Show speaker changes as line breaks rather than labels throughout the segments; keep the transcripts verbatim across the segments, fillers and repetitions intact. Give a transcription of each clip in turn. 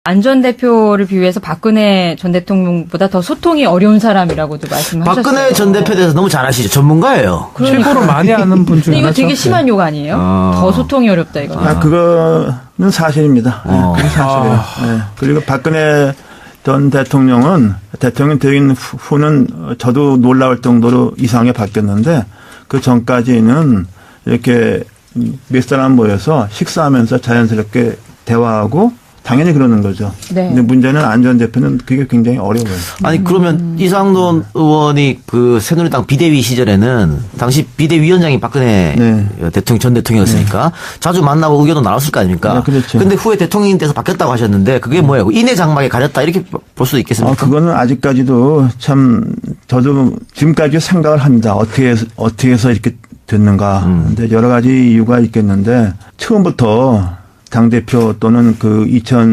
안 전 대표를 비유해서 박근혜 전 대통령보다 더 소통이 어려운 사람이라고도 말씀하셨어요.
박근혜 전 대표에 대해서 너무 잘 아시죠? 전문가예요.
그러니까.
최고로 많이 아는 분 중에
이거
하나죠.
되게 심한 욕 아니에요?
아.
더 소통이 어렵다 이거.
아, 그거는 사실입니다.
어.
네, 그게 사실이에요.
아.
네. 그리고 박근혜 전 대통령은 대통령 되긴 후는 저도 놀라울 정도로 이상하게 바뀌었는데 그 전까지는 이렇게 몇 사람 모여서 식사하면서 자연스럽게 대화하고 당연히 그러는 거죠.
네.
근데 문제는 안 전 대표는 그게 굉장히 어려워요.
아니 그러면 이상돈 의원이 그 새누리당 비대위 시절에는 당시 비대위원장이 박근혜
네.
대통령 전 대통령이었으니까 네. 자주 만나고 의견도 나눴을 거 아닙니까?
네, 그렇죠.
근데 후에 대통령이 돼서 바뀌었다고 하셨는데 그게 뭐예요? 인해 장막에 가렸다 이렇게 볼 수도 있겠습니까?
아, 그거는 아직까지도 참 저도 지금까지 생각을 합니다. 어떻게 해서, 어떻게 해서 이렇게 됐는가.
음.
근데 여러 가지 이유가 있겠는데 처음부터 당대표 또는 그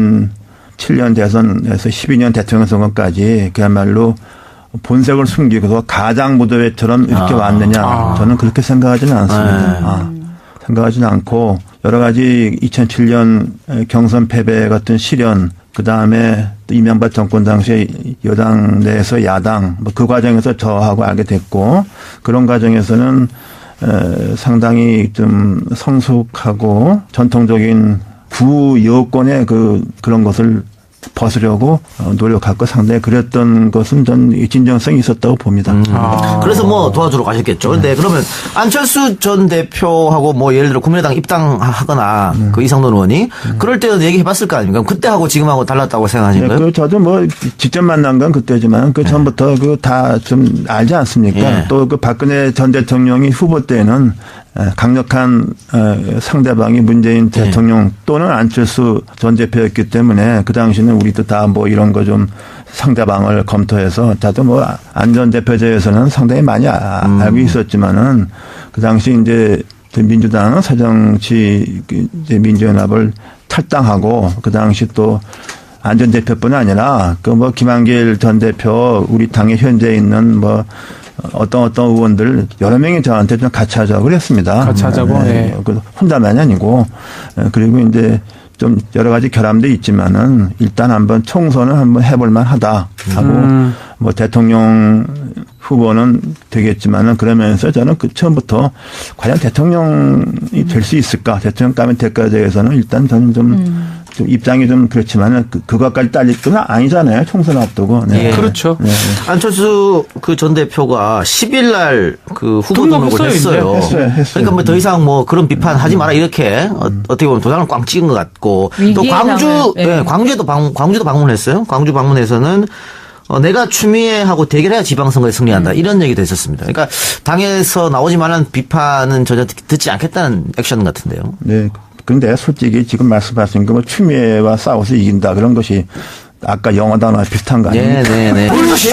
이천칠 년 대선에서 십이 년 대통령 선거까지 그야말로 본색을 숨기고서 가장 무도회처럼 이렇게
아.
왔느냐.
아.
저는 그렇게 생각하지는 않습니다.
네.
아, 생각하지는 않고 여러 가지 이천칠 년 경선 패배 같은 시련 그다음에 또 이명박 정권 당시에 여당 내에서 야당 뭐 그 과정에서 저하고 알게 됐고 그런 과정에서는 에, 상당히 좀 성숙하고 전통적인 구 여권의 그 그런 것을 벗으려고 노력하고 상당히 그랬던 것은 전 진정성이 있었다고 봅니다.
음.
아.
그래서 뭐 도와주러 가셨겠죠. 근데 그러면 안철수 전 대표하고 뭐 예를 들어 국민의당 입당하거나
음.
그 이상돈 의원이 그럴 때는 얘기해봤을 거 아닙니까? 그때하고 지금하고 달랐다고 생각하시는
네,
거예요?
그 저도 뭐 직접 만난 건 그때지만 그 전부터 그 다 좀 알지 않습니까?
예.
또 그 박근혜 전 대통령이 후보 때는 강력한 상대방이 문재인 대통령 또는 안철수 전 대표였기 때문에 그 당시는 우리도 다 뭐 이런 거 좀 상대방을 검토해서 저도 뭐 안 전 대표제에서는 상당히 많이 음. 알고 있었지만은 그 당시 이제 민주당은 새정치 이제 민주연합을 탈당하고 그 당시 또 안 전 대표뿐 아니라 그 뭐 김한길 전 대표 우리 당에 현재 있는 뭐 어떤 어떤 의원들 여러 명이 저한테 좀 같이 하자고 그랬습니다.
같이 하자고.
네.
네.
그 혼자만이 아니고 그리고 이제 좀 여러 가지 결함도 있지만은 일단 한번 총선을 한번 해볼 만하다 하고
음.
뭐 대통령 후보는 되겠지만은 그러면서 저는 그 처음부터 과연 대통령이 될 수 있을까 대통령감이 될까에 대해서는 일단 저는 좀, 음. 좀 입장이 좀 그렇지만은 그, 그것까지 딸릴 건 아니잖아요. 총선 앞두고. 네.
예.
그렇죠.
네.
안철수 그 전 대표가 십 일 날 그 후보 등록을 했어요.
했어요. 했어요.
그러니까 뭐 더 이상 뭐 그런 비판 하지 마라 이렇게 어, 어떻게 보면 도장을 꽝 찍은 것 같고 또 광주,
상을, 네.
네, 광주에도 방, 광주도 방문했어요. 광주 방문에서는 어, 내가 추미애하고 대결해야 지방선거에 승리한다. 음. 이런 얘기도 했었습니다. 그러니까 당에서 나오지만은 비판은 전혀 듣지 않겠다는 액션 같은데요.
네. 그런데 솔직히 지금 말씀하신 거 뭐 추미애와 싸워서 이긴다 그런 것이 아까 영어 단어와 비슷한 거 아닙니까?
네네네.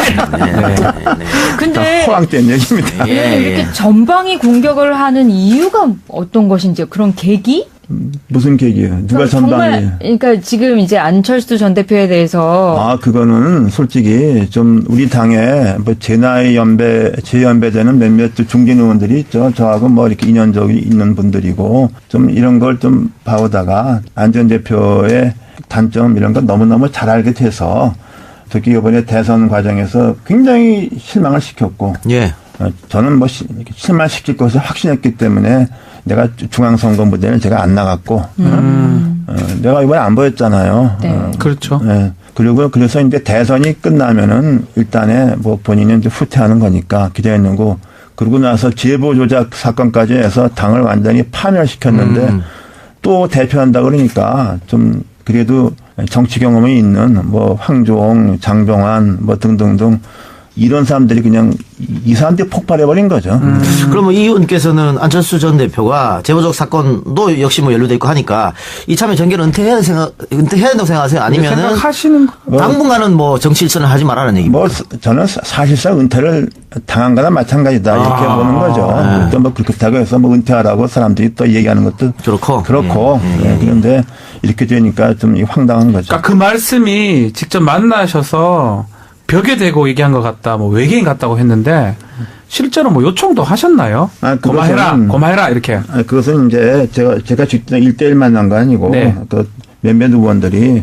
근데
호황된 얘기입니다.
예,
이렇게
예.
전방위 공격을 하는 이유가 어떤 것인지 그런 계기?
무슨 계기예요? 누가 전방위?
정말 그러니까 지금 이제 안철수 전 대표에 대해서
아, 그거는 솔직히 좀 우리 당에 뭐 제 나이 연배, 제 연배되는 몇몇 중진 의원들이 있죠. 저하고 뭐 이렇게 인연적이 있는 분들이고 좀 이런 걸 좀 봐오다가 안 전 대표의 단점 이런 걸 너무너무 잘 알게 돼서 특히 이번에 대선 과정에서 굉장히 실망을 시켰고
예.
저는 뭐 실망시킬 것을 확신했기 때문에 내가 중앙선거 무대는 제가 안 나갔고
음.
어, 내가 이번에 안 보였잖아요.
네.
어,
그렇죠.
네. 그리고 그래서 이제 대선이 끝나면은 일단에 뭐 본인은 이제 후퇴하는 거니까 기대했는 거. 그러고 나서 제보 조작 사건까지 해서 당을 완전히 파멸시켰는데
음.
또 대표한다 그러니까 좀 그래도 정치 경험이 있는 뭐 황교안, 장종환 뭐 등등등 이런 사람들이 그냥 이 사람들이 폭발해버린 거죠.
음. 그러면 이 의원께서는 안철수 전 대표가 제보적 사건도 역시 뭐 연루돼 있고 하니까 이참에 정계를 은퇴해야 생각, 은퇴해야 된다고 생각하세요? 아니면은
생각하시는 거.
당분간은 뭐 정치 일선을 하지 말라는 얘기입니다.
뭐 저는 사실상 은퇴를 당한 거나 마찬가지다 이렇게
아,
보는 거죠.
네.
또 뭐 그렇다고 해서 뭐 은퇴하라고 사람들이 또 얘기하는 것도
그렇고.
그렇고
예, 예,
네,
예.
그런데 이렇게 되니까 좀 황당한 거죠.
그러니까 그 말씀이 직접 만나셔서 벽에 대고 얘기한 것 같다, 뭐 외계인 같다고 했는데 실제로 뭐 요청도 하셨나요?
아,
고마해라,
그것은-
고마해라 이렇게.
아, 그것은 이제 제가 제가 직접 일대일 만난 거 아니고
네.
그 몇몇 의원들이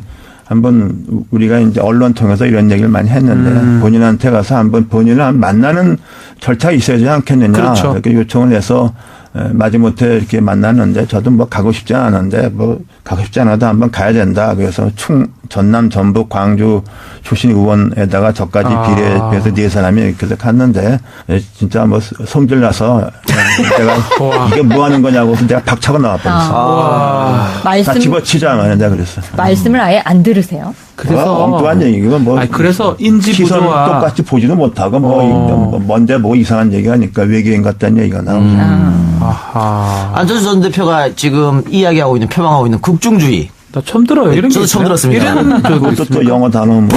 한번 우리가 이제 언론 통해서 이런 얘기를 많이 했는데
음. 본인한테
본인한테 가서 한번 본인을 만나는 절차가 있어야지 않겠느냐.
그렇죠.
이렇게 요청을 해서 마지못해 이렇게 만났는데 저도 뭐 가고 싶지 않았는데 뭐 가고 싶지 않아도 한번 가야 된다. 그래서 충 전남 전북 광주 출신 의원에다가 저까지
아.
비례해서 네 사람이 이렇게 해서 갔는데 진짜 뭐 성질 나서 내가 이게 뭐 하는 거냐고 내가 박차고 나와버렸어.
와.
다
말씀
집어치자 말이야 내가 그랬어.
말씀을 아예 안 들으세요?
그래서
뭐 엉뚱한 얘기고 뭐.
아니, 그래서 인지
시선
부조화
똑같이 보지도 못하고 뭐,
어.
뭐 뭔데 뭐 이상한 얘기하니까 외계인 같다는 얘기가 나오죠.
음. 아하.
안철수 전 대표가 지금 이야기하고 있는 표방하고 있는 국중주의.
나 처음 들어요. 이런
저도
게
처음
있어요?
들었습니다.
이런 적도
그것도 또
있습니까?
영어 단어 뭐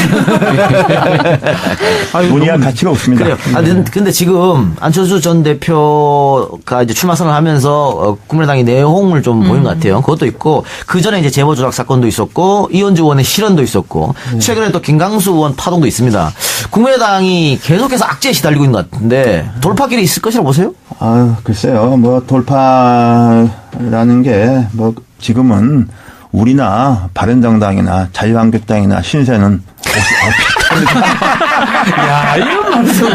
아니,
논의할
너무-
가치가 없습니다.
그래요. 아, 근데, 근데 지금 안철수 전 대표가 이제 출마 선언을 하면서 어, 국민의당이 내홍을 좀 보인 것 같아요. 그것도 있고 그 전에 이제 제보 조작 사건도 있었고 이현주 의원의 실언도 있었고 최근에 또 김강수 의원 파동도 있습니다. 국민의당이 계속해서 악재에 시달리고 있는 것 같은데 돌파길이 있을 것이라고 보세요?
아 글쎄요. 뭐 돌파라는 게 뭐 지금은 우리나 바른정당이나 자유한국당이나 신세는
야, 이런 말씀.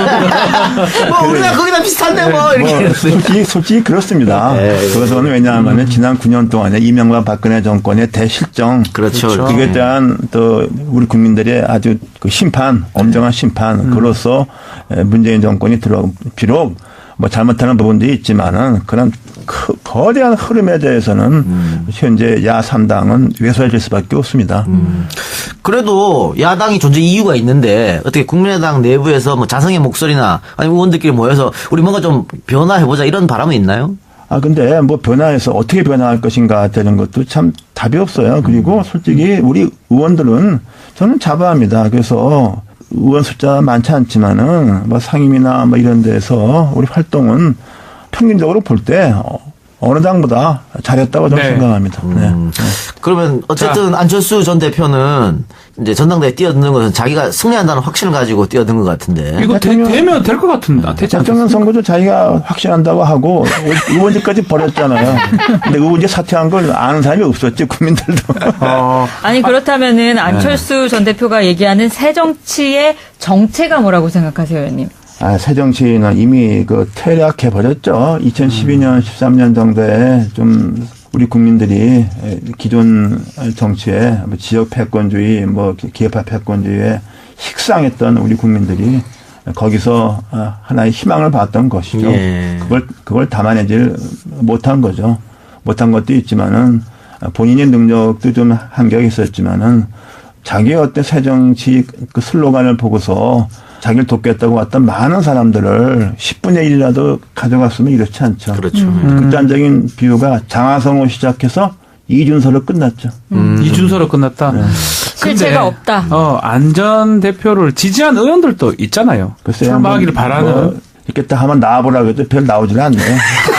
뭐 우리가 거기다 비슷한데 뭐 이렇게.
뭐 솔직히, 솔직히 그렇습니다. 그것은 왜냐하면 지난 구 년 동안에 이명박 박근혜 정권의 대실정.
그렇죠.
그렇죠.
그에 대한 또 우리 국민들의 아주 그 심판, 엄정한 심판, 그로서 문재인 정권이 들어, 비록 뭐 잘못하는 부분도 있지만은 그런 크, 거대한 흐름에 대해서는 음. 현재 야삼 당은 외소해질 수밖에 없습니다.
음. 그래도 야당이 존재 이유가 있는데 어떻게 국민의당 내부에서 뭐 자성의 목소리나 아니면 의원들끼리 모여서 우리 뭔가 좀 변화해보자 이런 바람은 있나요?
아, 근데 뭐 변화해서 어떻게 변화할 것인가 되는 것도 참 답이 없어요. 그리고 솔직히 우리 의원들은 저는 자부합니다. 그래서 의원 숫자 많지 않지만은 뭐 상임이나 뭐 이런 데서 우리 활동은 평균적으로 볼 때 어느 당보다 잘했다고 저는
네.
생각합니다. 네.
음. 그러면 어쨌든 안철수 전 대표는 이제 전당대회 뛰어드는 것은 자기가 승리한다는 확신을 가지고 뛰어든 것 같은데.
이거 되, 되면 될 것 같은데. 되지
대통령
않겠습니까?
선거도 자기가 확신한다고 하고 의원직까지 버렸잖아요. 근데 의원직 사퇴한 걸 아는 사람이 없었지 국민들도.
어,
아니 그렇다면은 안철수 전 대표가 얘기하는 새 정치의 정체가 뭐라고 생각하세요, 의원님?
아, 새 정치는 이미 그 퇴락해 버렸죠. 이천십이 년, 십삼 년 정도에 좀 우리 국민들이 기존 정치에 뭐 지역 패권주의, 뭐 기업화 패권주의에 식상했던 우리 국민들이 거기서 하나의 희망을 봤던 것이죠.
예.
그걸 그걸 담아내질 못한 거죠. 못한 것도 있지만은 본인의 능력도 좀 한계가 있었지만은 자기의 어떤 새 정치 그 슬로건을 보고서 자기를 돕겠다고 왔던 많은 사람들을 십분의 일이라도 가져갔으면 이렇지 않죠.
그렇죠.
극단적인 비유가 장하성으로 시작해서 이준서로 끝났죠.
음. 이준서로 끝났다.
네.
실체가 없다.
어, 안전 대표를 지지한 의원들도 있잖아요.
글쎄요,
출마하기를
뭐,
바라는.
뭐 이렇게 딱 한번 나와보라고 해도 별 나오질 않네요.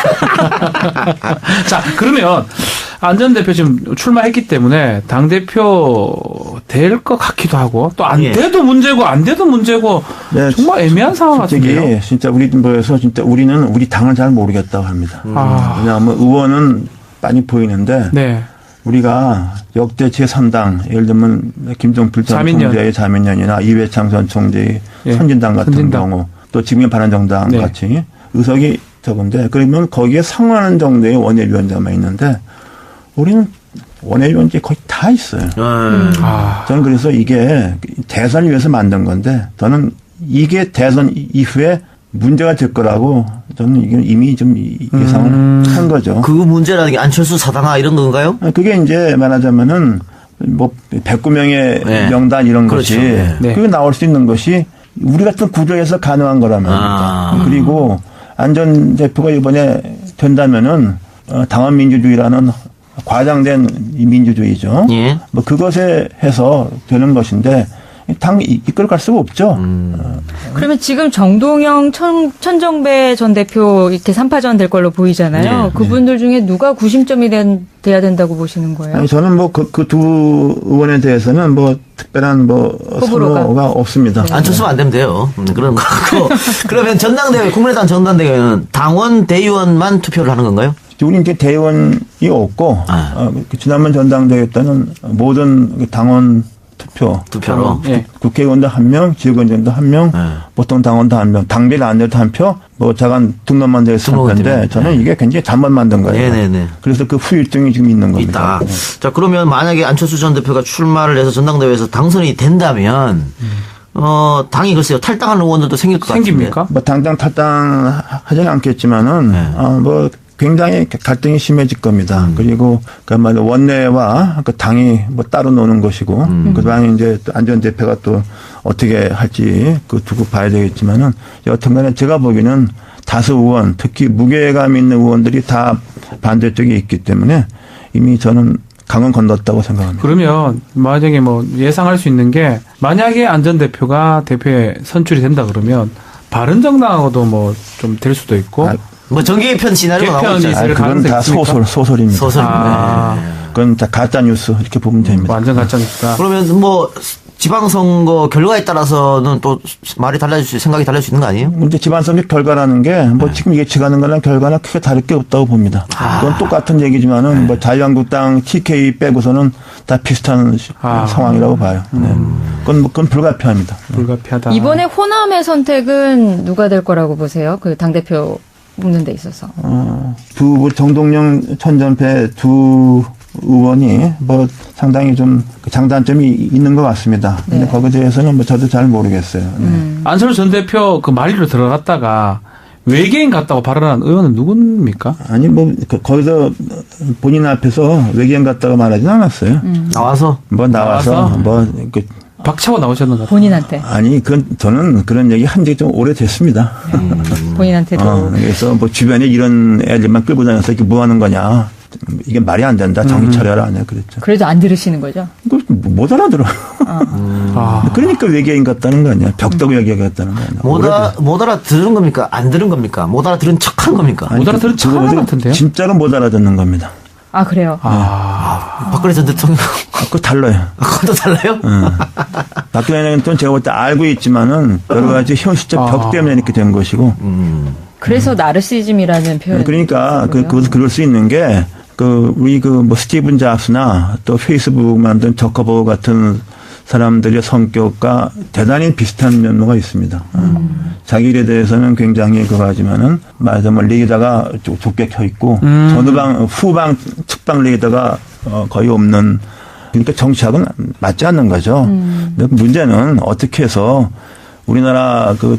자, 그러면 안전 대표 지금 출마했기 때문에 당 대표 될 것 같기도 하고 또 안
예.
돼도 문제고 안 돼도 문제고
네,
정말 애매한 상황
솔직히
같은데요.
진짜 우리 뭐에서 진짜 우리는 우리 당을 잘 모르겠다고 합니다.
아,
왜냐하면 의원은 많이 보이는데
네.
우리가 역대 제삼 당 예를 들면 김종필 전
자민련.
총재의 자민련이나 이회창 전 총재의
예.
선진당 같은
선진당.
경우 또 지금의 바른정당
네.
같이 의석이 적은데 그러면 거기에 상응하는 정도의 원외위원장만 있는데 우리는 원외위원장이 거의 다 있어요.
음.
아,
저는 그래서 이게 대선을 위해서 만든 건데 저는 이게 대선 이후에 문제가 될 거라고 저는 이게 이미 좀 예상을
음.
한 거죠.
그 문제라는 게 안철수 사당화 이런 건가요?
그게 이제 말하자면은 뭐 백구 명의
네.
명단 이런
그렇죠.
것이
네.
네.
그게 나올 수 있는 것이 우리 같은 구조에서 가능한 거란 말입니다.
아.
그리고 안 전 대표가 이번에 된다면은 어, 당원민주주의라는 과장된 이 민주주의죠.
예.
뭐 그것에 해서 되는 것인데 당 이- 이끌어갈 수가 없죠.
그러면 지금 정동영, 천, 천정배 전 대표 이렇게 삼파전 될 걸로 보이잖아요.
네,
그분들 중에 누가 구심점이 된, 돼야 된다고 보시는 거예요?
아니, 저는 뭐 그 그 두 의원에 대해서는 뭐 특별한 뭐
호불호가?
선호가 없습니다.
안철수만 안 되면 돼요. 음, 그런 거 같고. 그러면 전당대회, 국민의당 전당대회는 당원, 대의원만 투표를 하는 건가요?
우리 이제 대의원이 없고
아.
어, 그 지난번 전당대회 때는 모든 그 당원 투표
투표로.
예.
국회의원도 한 명, 지역위원장도 한 명,
네.
보통 당원도 한 명, 당비를 안 내도 한 표, 뭐 자간 등록만 돼서 한
등록은
표인데
되면.
저는
네.
이게 굉장히 잘못 만든 거예요.
네네네.
그래서 그 후유증이 지금 있는 겁니다.
있다. 자, 그러면 만약에 안철수 전 대표가 출마를 해서 전당대회에서 당선이 된다면, 어, 당이 글쎄요, 탈당하는 의원들도 생길 것 같은데.
생깁니까?
뭐 당장 탈당하지는 않겠지만은
네.
어, 뭐 굉장히 갈등이 심해질 겁니다.
음.
그리고 그야말로 원내와 그 당이 뭐 따로 노는 것이고
음.
그다음에 이제 또 안 전 대표가 또 어떻게 할지 그 두고 봐야 되겠지만은 여튼간에 제가 보기에는 다수 의원 특히 무게감 있는 의원들이 다 반대쪽에 있기 때문에 이미 저는 강은 건넜다고 생각합니다.
그러면 만약에 뭐 예상할 수 있는 게 만약에 안 전 대표가 대표에 선출이 된다 그러면 바른정당하고도 뭐 좀 될 수도 있고
아,
뭐 정계편 시나리오가 나오고
개편이
있잖아요.
있을
아, 그건
가능성이
다
있습니까?
소설 소설입니다.
소설.
아.
네.
그건 다 가짜 뉴스 이렇게 보면 됩니다.
완전 가짜니까.
그러면 뭐 지방선거 결과에 따라서는 또 말이 달라질 수, 생각이 달라질 수 있는 거 아니에요?
문제 지방선거 결과라는 게 뭐
네.
지금 예측하는 거랑 결과는 크게 다를 게 없다고 봅니다.
아.
그건 똑같은 얘기지만은
네.
뭐 자유한국당 티케이 빼고서는 다 비슷한 시-
아.
상황이라고 봐요. 네.
음.
그건, 뭐- 그건 불가피합니다.
불가피하다.
이번에 호남의 선택은 누가 될 거라고 보세요? 그 당대표 뽑는 데 있어서.
어, 두 정동영 천전패 두 의원이 뭐 상당히 좀 장단점이 있는 것 같습니다. 근데
네.
거기에 대해서는 뭐 저도 잘 모르겠어요. 네.
음.
안철수 전 대표 그 말리로 들어갔다가 외계인 같다고 발언한 의원은 누굽니까?
아니 뭐 그- 거기서 본인 앞에서 외계인 같다고 말하진 않았어요.
나와서?
뭐 나와서,
나와서?
뭐 그,
박차고 나오셨는 것 같아요.
본인한테.
아니 그 저는 그런 얘기 한 지 좀 오래됐습니다.
본인한테도.
어, 그래서 뭐 주변에 이런 애들만 끌고 다녀서 이렇게 뭐 하는 거냐. 이게 말이 안 된다. 정신 차려라. 네, 그랬죠.
그래도 안 들으시는 거죠?
그거 못 알아들어.
아,
그러니까 외계인 같다는 거 아니야. 벽다구 얘기 같다는 거 아니야.
못, 알아, 못 알아들은 겁니까? 안 들은 겁니까? 못 알아들은 척 한 겁니까?
아니,
못 알아들은 척 하는 것 같은데요?
진짜로 못 알아듣는 겁니다.
아, 그래요?
아,
박근혜 전 대통령.
아, 그거 달라요.
그것도 달라요?
응. 박근혜 대통령 제가 볼 때 알고 있지만은 여러 가지 현실적 벽
아.
때문에 이렇게 된 것이고.
음.
그래서 나르시즘이라는 표현.
그러니까 그, 그것을 그럴 수 있는 게 그 우리 그 뭐 스티븐 잡스나 또 페이스북 만든 저커버그 같은 사람들의 성격과 대단히 비슷한 면모가 있습니다. 음. 자기 일에 대해서는 굉장히 그거 하지만은 말하자면 리더가 좀 좁게 켜 있고
음.
전후방 후방 측방 리더가 어, 거의 없는 그러니까 정치학은 맞지 않는 거죠.
음.
근데 문제는 어떻게 해서 우리나라 그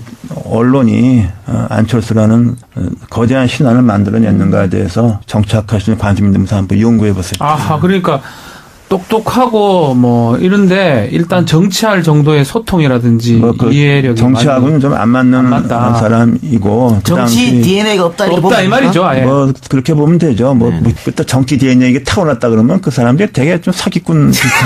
언론이 어, 안철수라는 어, 거대한 신안을 만들어냈는가에 대해서 정치학하시는 관심 있는 분들 한번 연구해 보세요.
아하, 그러니까 똑똑하고 뭐 이런데 일단 정치할 정도의 소통이라든지
뭐 그
이해력이
정치하고는 좀 안 맞는
안 맞다.
사람이고 그
정치
당시
디엔에이가 없다 이렇게
없다 이
보면
말이죠. 아예.
뭐 그렇게 보면 되죠. 뭐
네.
뭐 그때 정치 디엔에이가 타고났다 그러면 그 사람들이 되게 좀 사기꾼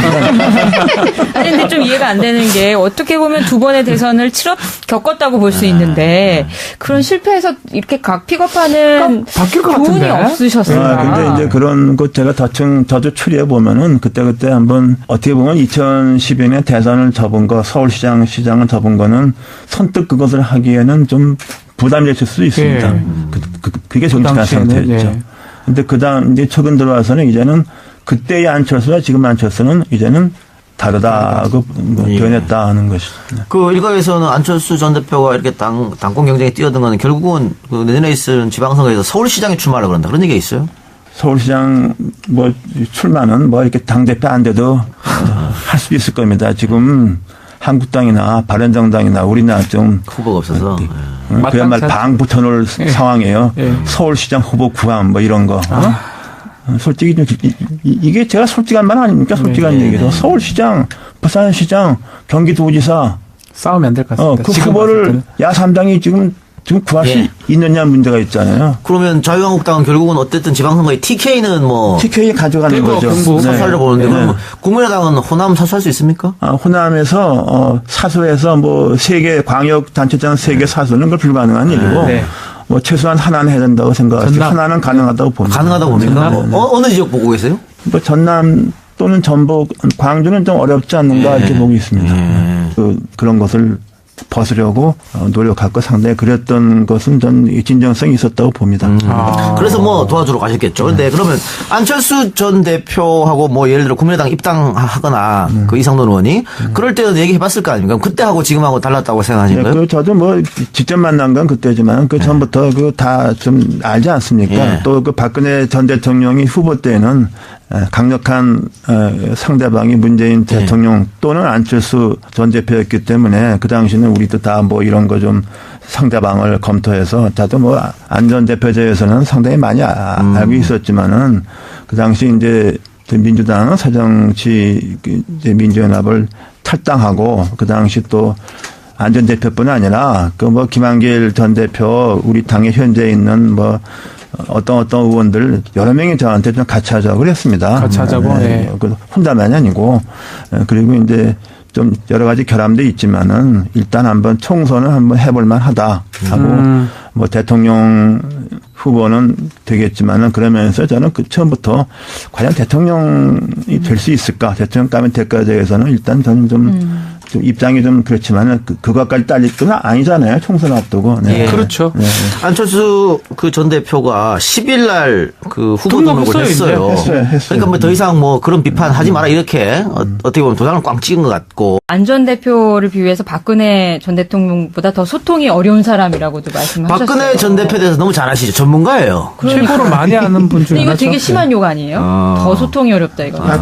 비슷합니다.
아니, 근데 좀 이해가 안 되는 게 어떻게 보면 두 번의 대선을 치렀, 겪었다고 볼 수 있는데 그런 실패해서 이렇게 각 픽업하는
그러니까 바뀔 것
교훈이
같은데?
없으셨어요.
아, 근데 이제 그런 것 제가 대충 저도 추리해 보면은 그때그때 한번 어떻게 보면 이천십이 년 대선을 접은 거 서울시장 시장을 접은 거는 선뜻 그것을 하기에는 좀 부담이 됐을 수도 있습니다.
예.
그, 그, 그게 정치한
당시에는,
상태였죠.
예.
근데 그 다음 이제 최근 들어와서는 이제는 그때의 안철수와 지금 안철수는 이제는 다르다고 뭐
예.
변했다 하는 것이죠.
그 일각에서는 안철수 전 대표가 이렇게 당, 당권 경쟁에 뛰어든 거는 결국은 그 내년에 있을 지방선거에서 서울시장에 출마를 그런다. 그런 얘기가 있어요?
서울시장 뭐 출마는 뭐 이렇게 당대표 안 돼도 할 수 있을 겁니다. 지금 한국당이나 바른정당이나 우리나라 좀
후보가 없어서. 예.
응? 그야말로
마땅치
방 붙여놓을
예.
상황이에요.
예.
서울시장 후보 구함 뭐 이런 거. 어?
아.
어, 솔직히 좀 이- 이- 이게 제가 솔직한 말 아닙니까? 솔직한
네,
얘기죠.
네.
서울시장, 부산시장, 경기도지사
싸우면 안 될 것
어,
같습니다.
그
지금 봤을
후보를
때는.
야삼당이 지금 지금 구할 수
예.
있느냐 문제가 있잖아요.
그러면 자유한국당은 결국은 어쨌든 지방선거에 티케이는 뭐
티케이 가져가는
대구,
거죠.
경북
네.
사수하려고 보는데
네.
그럼 국민의당은 호남 사수할 수 있습니까?
아, 호남에서 어, 사수에서 뭐 세개 광역 단체장 세 개 사수는 그걸 불가능한 일이고
네.
뭐 최소한 하나는 해야 된다고 생각하죠.
전남.
하나는 가능하다고 봅니다.
가능하다고 봅니까?
전남?
뭐, 어, 어느 지역 보고 계세요?
뭐 전남 또는 전북, 광주는 좀 어렵지 않는가
예.
이렇게 보고 있습니다.
예.
그, 그런 것을 벗으려고 노력하고 상당히 그랬던 것은 전 진정성이 있었다고 봅니다.
음.
아.
그래서 뭐 도와주러 가셨겠죠. 그런데 그러면 안철수 전 대표하고 뭐 예를 들어 국민의당 입당하거나
음.
그 이상돈 의원이 음. 그럴 때는 얘기해봤을 거 아닙니까? 그때하고 지금하고 달랐다고 생각하시는가요?
네, 그 저도 뭐 직접 만난 건 그때지만 그 전부터 그 다 좀 알지 않습니까?
예.
또 그 박근혜 전 대통령이 후보 때는 강력한 상대방이 문재인 대통령 네. 또는 안철수 전 대표였기 때문에 그 당시는 우리도 다 뭐 이런 거 좀 상대방을 검토해서 저도 뭐 안 전 대표제에서는 상당히 많이 음. 알고 있었지만은 그 당시 이제 민주당은 새정치 이제 민주연합을 탈당하고 그 당시 또 안 전 대표뿐 아니라 그 뭐 김한길 전 대표 우리 당에 현재 있는 뭐 어떤 어떤 의원들 여러 명이 저한테 좀 같이 하자고 그랬습니다.
같이 하자고. 네.
네. 혼자만이 아니고 그리고 이제 좀 여러 가지 결함도 있지만은 일단 한번 총선을 한번 해볼 만하다 하고 음. 뭐 대통령 후보는 되겠지만은 그러면서 저는 그 처음부터 과연 대통령이 될 수 있을까 대통령감이 될까에 대해서는 일단 저는 좀 음. 좀 입장이 좀 그렇지만은 그, 그것까지 딸릴 건 아니잖아요. 총선 앞두고. 네.
예.
그렇죠.
네. 안철수 그 전 대표가 십 일 날 그 후보 등록을 했어요.
했어요. 했어요.
그러니까 뭐 더 이상 뭐 그런 비판하지 마라 이렇게 음. 어, 어떻게 보면 도장을 꽝 찍은 것 같고.
안 전 대표를 비유해서 박근혜 전 대통령보다 더 소통이 어려운 사람이라고도 말씀하셨어요.
박근혜 전 대표에 대해서 너무 잘 아시죠. 전문가예요.
그러니까.
최고로 많이 아는 분 중에
이거
하나죠.
되게 심한 욕 아니에요?
어.
더 소통이 어렵다 이거.
아,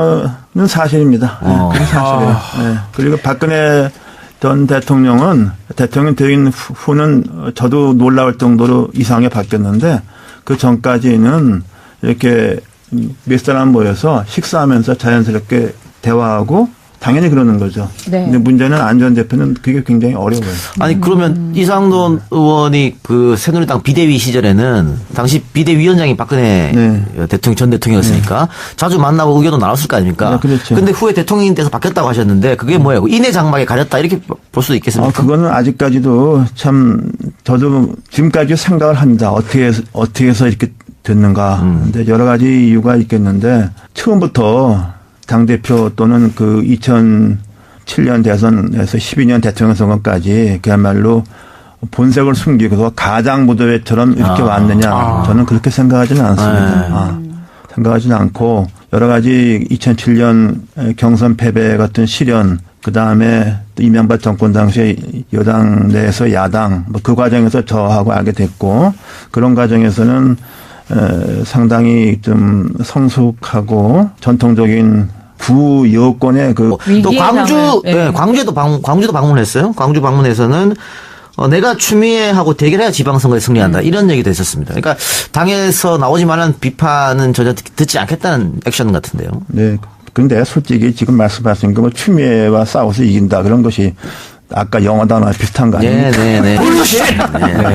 그거는 사실입니다.
어.
네, 그게 사실이에요.
아.
네. 그리고 박근혜 전 대통령은 대통령 되긴 후는 저도 놀라울 정도로 이상하게 바뀌었는데 그 전까지는 이렇게 몇 사람 모여서 식사하면서 자연스럽게 대화하고 당연히 그러는 거죠.
네.
근데 문제는 안 전 대표는 그게 굉장히 어려워요.
아니 그러면 음. 이상돈 의원이 그 새누리당 비대위 시절에는 당시 비대위원장이 박근혜 네. 대통령 전 대통령이었으니까 네. 자주 만나고 의견도 나눴을 거 아닙니까?
네, 그렇죠.
근데 후에 대통령이 돼서 바뀌었다고 하셨는데 그게 뭐예요? 인해 장막에 가렸다 이렇게 볼 수도 있겠습니까?
아, 그거는 아직까지도 참 저도 지금까지 생각을 합니다. 어떻게 해서, 어떻게 해서 이렇게 됐는가.
음.
근데 여러 가지 이유가 있겠는데 처음부터 당대표 또는 그 이천칠 년 대선에서 십이 년 대통령 선거까지 그야말로 본색을 숨기고서 가장 무도회처럼 이렇게 아. 왔느냐. 아. 저는 그렇게 생각하지는 않습니다. 아. 생각하지는 않고 여러 가지 이천칠 년 경선 패배 같은 시련 그다음에 이명박 정권 당시에 여당 내에서 야당 뭐 그 과정에서 저하고 알게 됐고 그런 과정에서는 에, 상당히 좀 성숙하고 전통적인 구 여권의 그
또 광주 네. 네, 광주에도 방, 광주도 방문했어요. 광주 방문에서는 어, 내가 추미애하고 대결해야 지방선거에 승리한다. 음. 이런 얘기도 했었습니다. 그러니까 당에서 나오지만은 비판은 전혀 듣지 않겠다는 액션 같은데요.
네. 그런데 솔직히 지금 말씀하신 거 뭐 추미애와 싸워서 이긴다 그런 것이 아까 영어 단어와 비슷한 거 아닙니까?
네네네. 네, 네.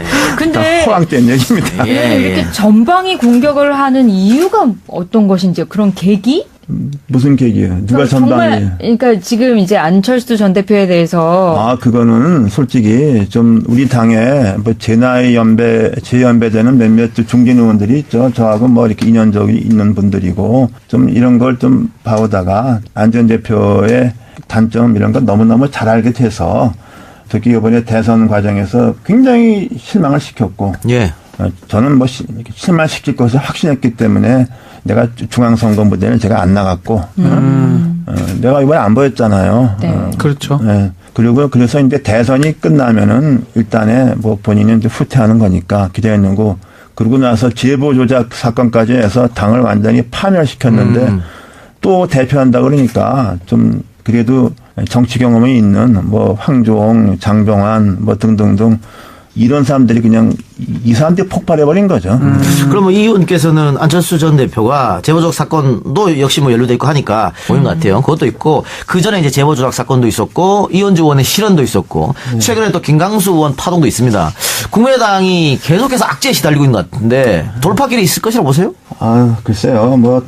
근데
호황된 얘기입니다.
예, 이렇게 전방위 공격을 하는 이유가 어떤 것인지 그런 계기?
무슨 계기예요? 누가 전방위?
그러니까 지금 이제 안철수 전 대표에 대해서
아 그거는 솔직히 좀 우리 당에 뭐 제 나이 연배 제 연배되는 몇몇 중진 의원들이 있죠. 저하고 뭐 이렇게 인연적이 있는 분들이고 좀 이런 걸 좀 봐오다가 안 전 대표의 단점 이런 거 너무너무 잘 알게 돼서 특히 이번에 대선 과정에서 굉장히 실망을 시켰고
예.
저는 뭐 실망시킬 것을 확신했기 때문에 내가 중앙선거 무대는 제가 안 나갔고 음. 어, 내가 이번에 안 보였잖아요.
네.
어,
그렇죠.
네. 그리고 그래서 이제 대선이 끝나면은 일단에 뭐 본인은 이제 후퇴하는 거니까 기대했는 거 그러고 나서 제보 조작 사건까지 해서 당을 완전히 파멸시켰는데 음. 또 대표한다 그러니까 좀 그래도 정치 경험이 있는 뭐 황교안, 장병환 뭐 등등등 이런 사람들이 그냥 이 사람들이 폭발해버린 거죠.
음. 그러면 이 의원께서는 안철수 전 대표가 제보조작 사건도 역시 뭐 연루돼 있고 하니까 보인 것 같아요. 그것도 있고 그 전에 이제 제보조작 사건도 있었고 이현주 의원의 실언도 있었고 최근에 또 김강수 의원 파동도 있습니다. 국민의당이 계속해서 악재에 시달리고 있는 것 같은데 돌파길이 있을 것이라고 보세요?
아 글쎄요. 뭐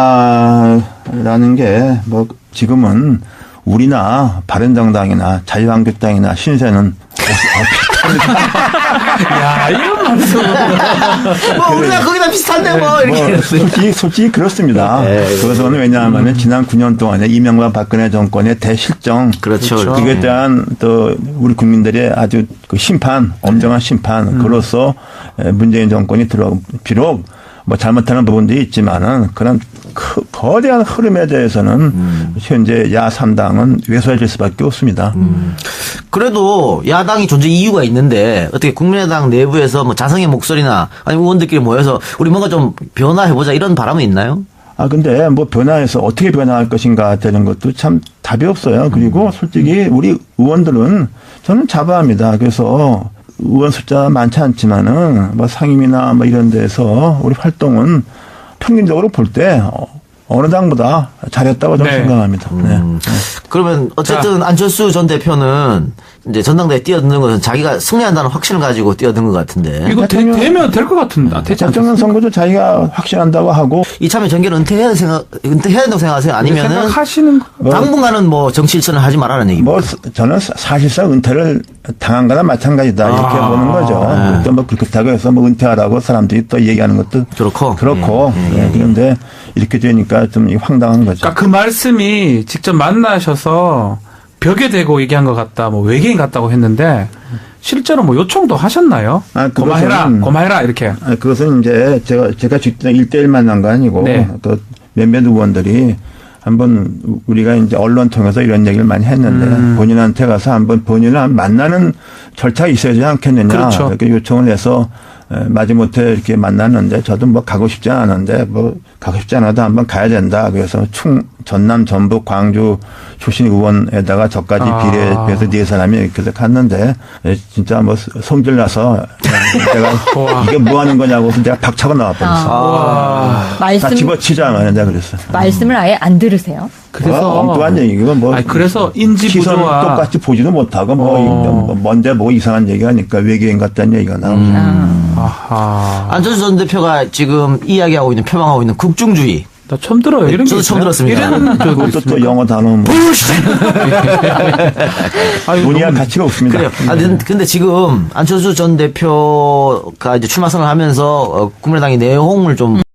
돌파라는 게 뭐 지금은 우리나 바른정당이나 자유한국당이나 신세는
야, 이런 말씀.
뭐 우리가 거기다 비슷한데 뭐 이렇게.
뭐 솔직히, 솔직히 그렇습니다.
네.
그것은 왜냐하면 지난 구 년 동안에 이명박 박근혜 정권의 대실정.
그렇죠.
그렇죠.
그에 대한 또 우리 국민들의 아주 그 심판, 엄정한 심판, 그로서 문재인 정권이 들어, 비록 뭐 잘못하는 부분도 있지만은 그런 크, 거대한 흐름에 대해서는
음.
현재 야 삼 당은 외소해질 수밖에 없습니다.
음. 그래도 야당이 존재 이유가 있는데 어떻게 국민의당 내부에서 뭐 자성의 목소리나 아니면 의원들끼리 모여서 우리 뭔가 좀 변화해보자 이런 바람은 있나요?
아, 근데 뭐 변화해서 어떻게 변화할 것인가 되는 것도 참 답이 없어요. 그리고 솔직히 우리 의원들은 저는 자부합니다. 그래서 의원 숫자 많지 않지만은 뭐 상임이나 뭐 이런 데서 우리 활동은 평균적으로 볼 때 어느 당보다 잘했다고 저는
네.
생각합니다. 네.
음. 그러면 어쨌든 안철수 전 대표는 이제 전당대회 뛰어드는 것은 자기가 승리한다는 확신을 가지고 뛰어든 것 같은데.
이거 되,
대통령-
되면 될 것 같은데. 아, 되지
대통령
않겠습니까?
선거도 자기가 확신한다고 하고
이참에 정계를 은퇴해야 생각, 은퇴해야 된다고 생각하세요? 아니면은
생각하시는 거.
당분간은 뭐 정치 일선을 하지 말라는 얘기입니다.
뭐 저는 사실상 은퇴를 당한 거나 마찬가지다 이렇게
아.
보는 거죠. 또 뭐 그렇다고 해서 뭐 은퇴하라고 사람들이 또 얘기하는 것도
그렇고.
그렇고 네, 그런데 이렇게 되니까 좀 황당한 거죠.
그러니까 그 말씀이 직접 만나셔서 벽에 대고 얘기한 것 같다, 뭐 외계인 같다고 했는데 실제로 뭐 요청도 하셨나요?
아, 그것은-
고마해라, 고마해라 이렇게.
아, 그것은 이제 제가 제가 직접 일대일 만난 거 아니고
네.
그 몇몇 의원들이 한번 우리가 이제 언론 통해서 이런 얘기를 많이 했는데
음. 본인한테
본인한테 가서 한번 본인을 만나는 절차가 있어야지 않겠느냐
그렇죠.
이렇게 요청을 해서 에, 마지못해 이렇게 만났는데 저도 뭐 가고 싶지 않았는데 뭐 가고 싶지 않아도 한번 가야 된다. 그래서 충 전남 전북 광주 출신 의원에다가 저까지
아.
비례해서 네 사람이 이렇게 해서 갔는데 에, 진짜 뭐 성질 나서 내가
우와.
이게 뭐 하는 거냐고 해서 내가 박차고 나와 버렸어.
와.
다
말씀
집어치자 말이야 내가 그랬어.
말씀을 아예 안 들으세요?
그래서
뭐 엉뚱한 얘기고 뭐.
아니, 그래서 인지
시선
부조화-
똑같이 보지도 못하고 뭐,
어.
뭐 뭔데 뭐 이상한 얘기하니까 외계인 같다는 얘기가 나오죠.
음. 아하.
안철수 전 대표가 지금 이야기하고 있는, 표방하고 있는 국중주의.
나 처음 들어요. 이런 게
저도 처음
있어요?
들었습니다.
이런 적도
그것도 또
있습니까?
영어 단어 뭐
아유,
논의할
너무-
가치가 없습니다.
그래요. 아, 근- 근데 지금 안철수 전 대표가 이제 출마 선언을 하면서 어, 국민의당이 내홍을 좀